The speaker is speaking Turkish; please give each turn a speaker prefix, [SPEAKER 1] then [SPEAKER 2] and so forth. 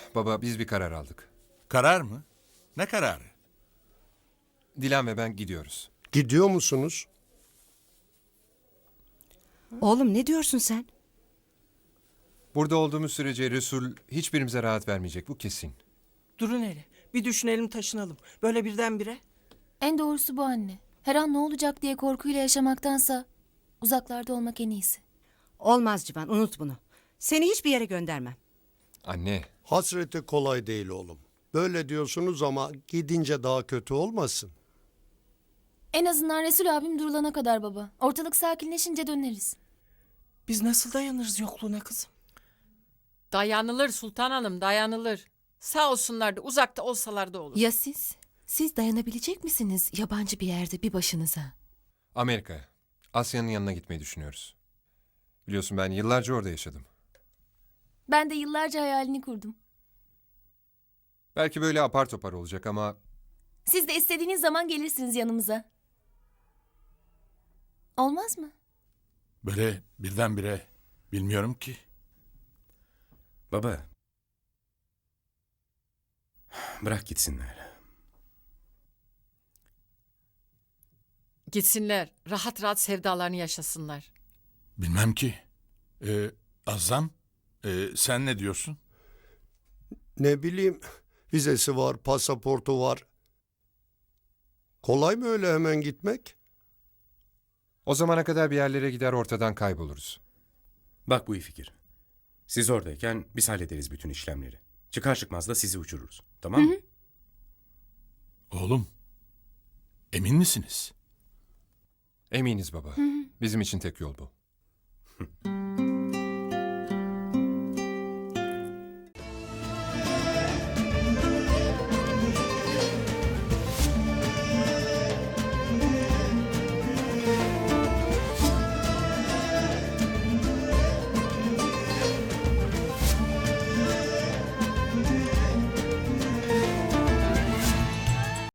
[SPEAKER 1] Baba biz bir karar aldık.
[SPEAKER 2] Karar mı? Ne kararı?
[SPEAKER 1] Dilan ve ben gidiyoruz.
[SPEAKER 3] Gidiyor musunuz?
[SPEAKER 4] Oğlum ne diyorsun sen?
[SPEAKER 1] Burada olduğumuz sürece Resul hiçbirimize rahat vermeyecek, bu kesin.
[SPEAKER 5] Durun hele. Bir düşünelim taşınalım. Böyle birdenbire.
[SPEAKER 6] En doğrusu bu anne. Her an ne olacak diye korkuyla yaşamaktansa uzaklarda olmak en iyisi.
[SPEAKER 4] Olmaz Civan, unut bunu. Seni hiçbir yere göndermem.
[SPEAKER 1] Anne,
[SPEAKER 3] Hasreti kolay değil oğlum. Böyle diyorsunuz ama gidince daha kötü olmasın.
[SPEAKER 6] En azından Resul abim durulana kadar baba. Ortalık sakinleşince döneriz.
[SPEAKER 5] Biz nasıl dayanırız yokluğuna kızım?
[SPEAKER 7] Dayanılır Sultan Hanım, dayanılır. Sağ olsunlar da uzakta olsalar da olur.
[SPEAKER 8] Ya siz? Siz dayanabilecek misiniz yabancı bir yerde bir başınıza?
[SPEAKER 1] Amerika'ya. Asya'nın yanına gitmeyi düşünüyoruz. Biliyorsun ben yıllarca orada yaşadım.
[SPEAKER 6] Ben de yıllarca hayalini kurdum.
[SPEAKER 1] Belki böyle apar topar olacak ama
[SPEAKER 6] Siz de istediğiniz zaman gelirsiniz yanımıza. Olmaz mı?
[SPEAKER 2] Böyle birdenbire bilmiyorum ki.
[SPEAKER 9] Baba. Bırak gitsinler.
[SPEAKER 7] Gitsinler, rahat rahat sevdalarını yaşasınlar.
[SPEAKER 2] Bilmem ki. Azam, sen ne diyorsun?
[SPEAKER 3] Ne bileyim, vizesi var, pasaportu var. Kolay mı öyle hemen gitmek?
[SPEAKER 1] o zamana kadar bir yerlere gider ortadan kayboluruz.
[SPEAKER 9] Bak bu iyi fikir. Siz oradayken biz hallederiz bütün işlemleri. Çıkar çıkmaz da sizi uçururuz. Tamam mı?
[SPEAKER 2] Oğlum, emin misiniz?
[SPEAKER 1] Eminiz baba. Bizim için tek yol bu.